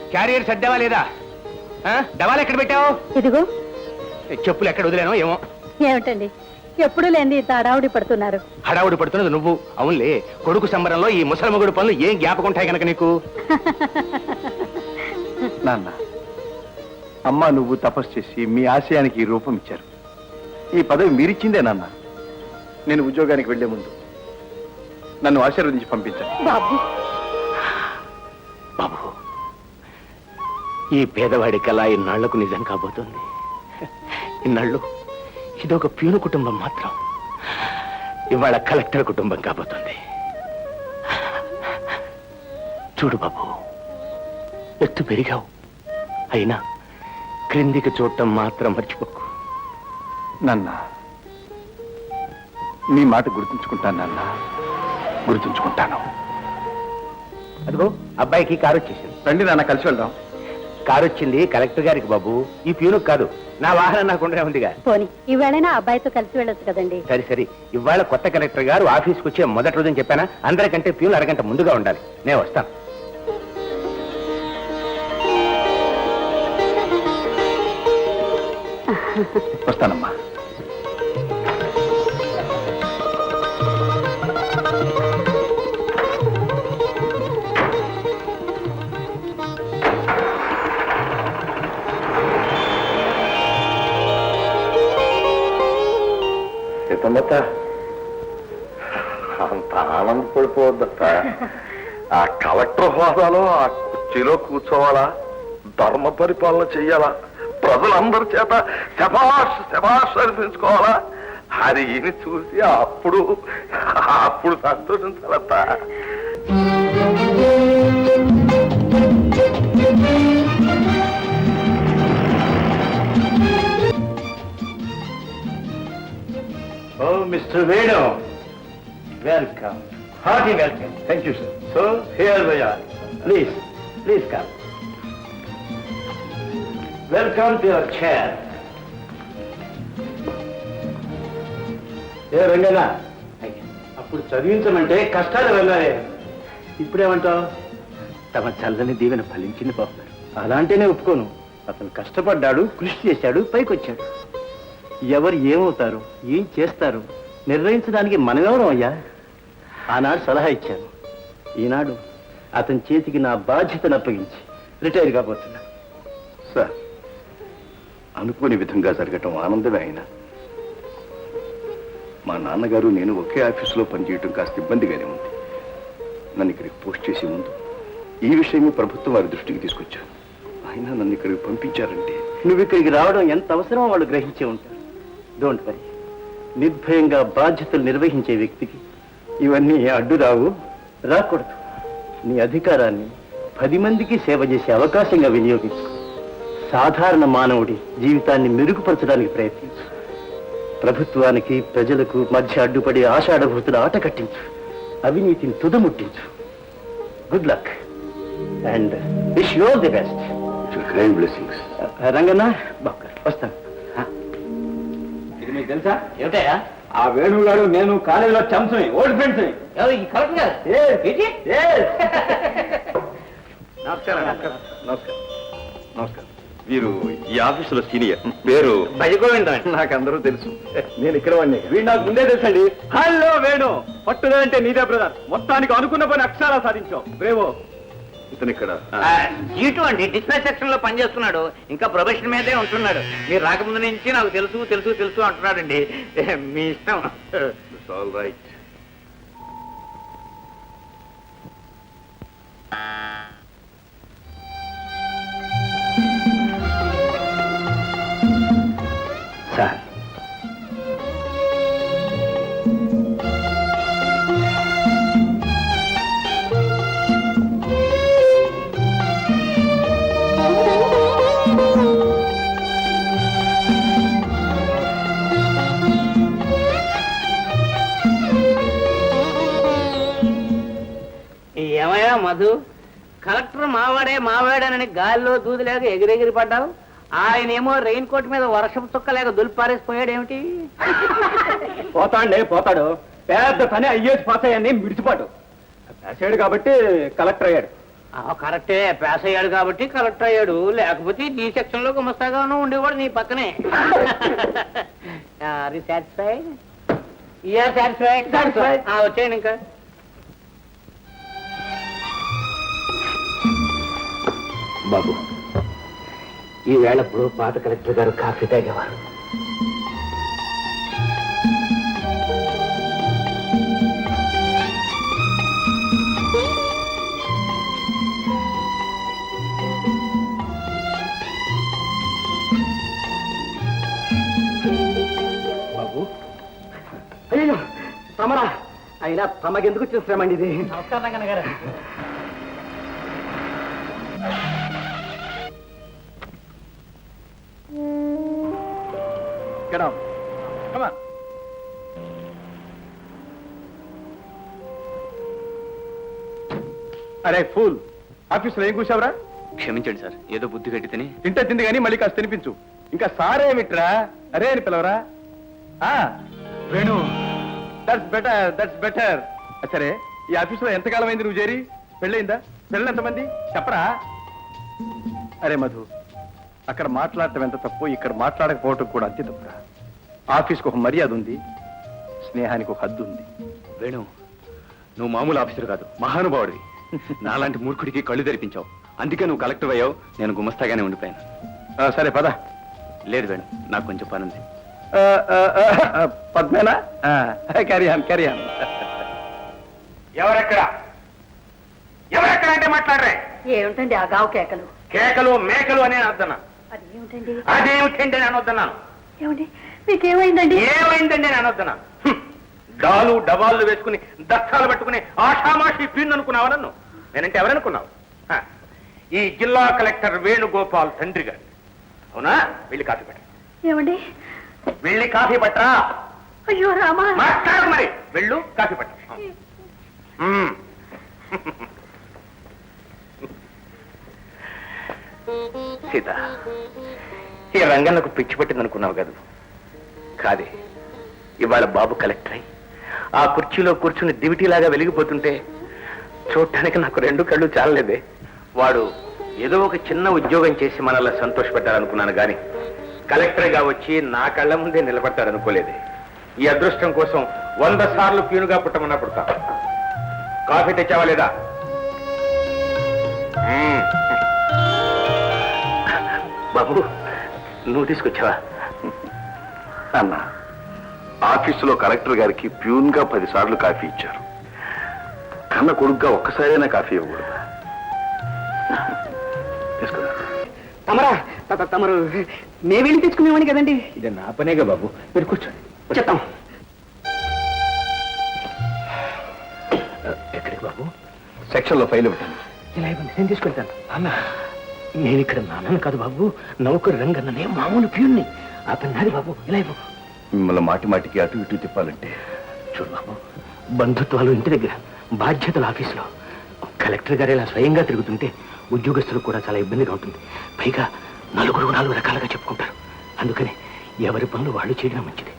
Carrier సర్దావా లేదా? డవాలు ఎక్కడ పెట్టావు? ఇదిగో. చెప్పులు ఎక్కడ వదిలేనో ఏమో. ఏమిటండి ఎప్పుడు లేని ఇంత హడావుడి పడుతున్నారు? హడావుడి పడుతున్నది నువ్వు. అవునులే, కొడుకు సంబరంలో ఈ ముసలమ్మగుడు పనులు ఏం జ్ఞాపకుంటాయి కనుక నీకు. నాన్న, అమ్మ నువ్వు తపస్సు చేసి మీ ఆశయానికి రూపం ఇచ్చారు. ఈ పదవి మీరిచ్చిందే నాన్న. నేను ఉద్యోగానికి వెళ్లే ముందు నన్ను ఆశీర్వదించి పంపించాను. బాబు బాబు, ఈ పేదవాడి కళ ఇన్నాళ్లకు నిజం కాబోతుంది. ఇన్నాళ్ళు ఇదొక ప్యూను కుటుంబం మాత్రం ఇవాళ కలెక్టర్ కుటుంబం కాబోతుంది. చూడు బాబు, ఎత్తు పెరిగావు, అయినా క్రిందికి చూడటం మాత్రం మర్చిపోకు. నాన్న, నీ మాట గుర్తుంచుకుంటాను నాన్న, గుర్తుంచుకుంటాను. అదిగో అబ్బాయికి కారు వచ్చేసింది. రండి నాన్న, కలిసి వెళ్దాం. కారు వచ్చింది కలెక్టర్ గారికి బాబు, ఈ ప్యూనుకు కాదు. నా వాహనం నాకుండా ఉందిగా. పోనీ ఈవేళైనా అబ్బాయితో కలిసి వెళ్ళొచ్చు కదండి. సరే సరే, ఇవాళ కొత్త కలెక్టర్ గారు ఆఫీస్కి వచ్చే మొదటి రోజుని చెప్పానా, అందరికంటే ప్యూన్ అరగంట ముందుగా ఉండాలి. నేను వస్తాను. వస్తానమ్మా. సీతమ్మత, అంత ఆనందపడిపోవద్దట. ఆ కలెక్టర్ హోదాలో ఆ కుర్చీలో కూర్చోవాలా, ధర్మ పరిపాలన చెయ్యాలా, ప్రజలందరి చేత శభాష్ శభాష్ అనిపించుకోవాలా. అది ఈయన చూసి అప్పుడు సంతోషించాలట. Oh, Mr. Venu. Welcome. Hearty welcome. Thank you, sir. So, here we are. Please come. Welcome to your chair. ఏ రంగనా, అప్పుడు చదివించమంటే కష్టాలు వెళ్ళాలి. ఇప్పుడేమంటావు? తమ చల్లని దీవెన ఫలించింది బాబు. అలాంటినే ఒప్పుకోను. అతను కష్టపడ్డాడు, కృషి చేశాడు, పైకొచ్చాడు. ఎవరు ఏమవుతారు, ఏం చేస్తారు నిర్ణయించడానికి మనమెవరం అయ్యా? ఆనాడు సలహా ఇచ్చాను, ఈనాడు అతని చేతికి నా బాధ్యతను అప్పగించి రిటైర్ కాబోతున్నా. సార్, అనుకోని విధంగా జరగటం ఆనందమే. అయినా మా నాన్నగారు నేను ఒకే ఆఫీసులో పనిచేయటం కాస్త ఇబ్బందిగానే ఉంది. నన్ను ఇక్కడికి పోస్ట్ చేసే ముందు ఈ విషయమే ప్రభుత్వం వారి దృష్టికి తీసుకొచ్చాను. అయినా నన్ను ఇక్కడికి పంపించారంటే నువ్వు ఇక్కడికి రావడం ఎంత అవసరమో వాళ్ళు గ్రహించే ఉంటారు. Don't worry. నిర్భయంగా బాధ్యతలు నిర్వహించే వ్యక్తికి ఇవన్నీ అడ్డు రావు, రాకూడదు. నీ అధికారాన్ని 10 మందికి సేవ చేసే అవకాశంగా వినియోగించు. సాధారణ మానవుడి జీవితాన్ని మెరుగుపరచడానికి ప్రయత్నించు. ప్రభుత్వానికి ప్రజలకు మధ్య అడ్డుపడే ఆషాఢభూతుల ఆట కట్టించు. అవినీతిని తుదముట్టించు. Good luck and wish you all the best. Great blessings. Ranganna Babu, వస్తాను. ఇది మీకు తెలుసా? ఏమిటయా? ఆ వేణుగాడు నేను కాలేజీలో చంపుని ఓల్డ్ ఫ్రెండ్స్. నమస్కారం. నమస్కారం. వీరు ఈ ఆఫీసులో సీనియర్. పేరు భజగోవిందం. నాకు అందరూ తెలుసు. నేను ఇక్కడ వాడిని. వీడు నాకు ముందే తెలుసండి. హలో వేణు, పట్టుదలంటే నీదే బ్రదర్. మొత్తానికి అనుకున్న పని అక్షరాలు సాధించావు. బ్రేవో. ఇతను ఇక్కడ జీటు అండి, డిస్పాచ్ సెక్షన్ లో పనిచేస్తున్నాడు. ఇంకా ప్రొఫెషన్ మీదే ఉంటున్నాడు. మీరు రాకముందు నుంచి నాకు తెలుసు తెలుసు తెలుసు అంటున్నాడండి. మీ ఇష్టం. All right. సార్, ఏమయ్యా మధు, కలెక్టర్ మావాడేనని గాలిలో దూదిలేక ఎగిరెగిరి పడ్డావు. ఆయనేమో రెయిన్ కోట్ మీద వర్షం చుక్కలేక దులిపారేసిపోయాడేమిటి? పోతాడు. పెద్ద పని అయ్యేసి పాస్ అయ్యాన్ని మిడిచిపాటు రాశాడు కాబట్టి కలెక్టర్ అయ్యాడు. కరెక్టే, పాస్ అయ్యాడు కాబట్టి కలెక్టర్ అయ్యాడు, లేకపోతే నీ సెక్షన్ లో గుమస్తాగాను ఉండేవాడు నీ పక్కనే. వచ్చేయండి ఇంకా. బాబు, ఈ వేళప్పుడు పాత కలెక్టర్ గారు కాఫీ తాగేవారు. బాబు, అయ్యో తమరా, అయినా తమకెందుకు వచ్చిన శ్రమ అండి ఇది? నమస్కారం గారు. Get up. Come on. అరే ఫూల్, ఆఫీసులో ఏం కూర్చావురా? క్షమించండి సార్, ఏదో బుద్ధి కట్టి తిని. తింటే తింది కానీ మళ్ళీ కాస్త తినిపించు. ఇంకా సారేమిట్రా, అరే అని పిలవరా? Venu, that's better. సరే, ఈ ఆఫీసులో ఎంతకాలం అయింది నువ్వు చేరి? పెళ్ళయిందా? పిల్లలు ఎంతమంది చెప్పరా? అరే మధు, అక్కడ మాట్లాడటం ఎంత తప్పు, ఇక్కడ మాట్లాడకపోవటం కూడా అంతే తప్పురా. ఆఫీస్కి ఒక మర్యాద ఉంది, స్నేహానికి ఒక హద్దు ఉంది. వేణు, నువ్వు మామూలు ఆఫీసర్ కాదు, మహానుభావుడివి. నాలాంటి మూర్ఖుడికి కళ్ళు తెరిపించావు, అందుకే నువ్వు కలెక్టర్ అయ్యావు, నేను గుమస్తాగానే ఉండిపోయాను. సరే పద. లేదు వేణు, నాకు కొంచెం పని ఉంది. పద్మేనా? క్యారియాన్. ఎవరెక్కడ ఎవరెక్కడ అంటే మాట్లాడరే? ఏమిటండి ఆ గావు కేకలు? కేకలు మేకలు అని అర్థన్నాను. అది ఏమిటండి? అదేమిటండి అని అనొద్దన్నాను. ఏమండి మీకేమైందండి? ఏమైందండి అని అనొద్దన్నాను. డాలు డబాలు వేసుకుని దస్తాలు పట్టుకుని ఆషామాషి పీన్ అనుకున్నావా నన్ను? నేనంటే ఎవరనుకున్నావు? ఈ జిల్లా కలెక్టర్ వేణుగోపాల్ తండ్రి గారు. అవునా? వెళ్ళి కాఫీ పట్ట. ఏమండి? వెళ్ళి కాఫీ పట్టరా. అయ్యో రామా, మాట్లాడు మరి. వెళ్ళు కాఫీ పట్ట. సీత, ఈ రంగన్నకు పిచ్చి పట్టింది అనుకున్నావు కదా? కాదే, ఇవాళ బాబు కలెక్టర్ అయి ఆ కుర్చీలో కూర్చుని దివిటీలాగా వెలిగిపోతుంటే చూడటానికి నాకు రెండు కళ్ళు చాలలేదే. వాడు ఏదో ఒక చిన్న ఉద్యోగం చేసి మనల్ని సంతోషపెట్టాలనుకున్నాను గాని కలెక్టర్గా వచ్చి నా కళ్ళ ముందే నిలబడతాడనుకోలేదే. ఈ అదృష్టం కోసం 100 సార్లు ప్యూనుగా పుట్టమన్నా పుడతా. కాఫీ తెచ్చావా లేదా? బాబు, నువ్వు తీసుకొచ్చావా? అన్న, ఆఫీసులో కలెక్టర్ గారికి ప్యూన్ గా 10 సార్లు కాఫీ ఇచ్చారు. కన్న కొడుగ్గా ఒక్కసారైనా కాఫీ ఇవ్వకూడదు. తీసుకురా. తమరా, తమరు మేము వెళ్ళి తెచ్చుకునేవాడిని కదండి. ఇది నా పనేగా బాబు, మీరు కూర్చోండి, చెప్తాం. ఎక్కడికి బాబు? సెక్షన్ లో ఫైల్ ఇవ్వండి. ఇలా ఇవ్వండి, నేను తీసుకెళ్తాను. అన్న, నేను ఇక్కడ నాన్నను కాదు బాబు, నౌకరు రంగన్ననే, మామూలు ప్యూన్ని. ఆ పని నాది బాబు, ఇలా ఇవ్వు. మిమ్మల్ని మాటి మాటికి అటు ఇటు తిప్పాలంటే చూడు బాబు, బంధుత్వాలు ఇంటి దగ్గర, బాధ్యతలు ఆఫీసులో. కలెక్టర్ గారు ఇలా స్వయంగా తిరుగుతుంటే ఉద్యోగస్తులకు కూడా చాలా ఇబ్బందిగా ఉంటుంది. పైగా 4 రకాలుగా చెప్పుకుంటారు. అందుకని ఎవరి పనులు వాళ్ళు చేయడం మంచిది.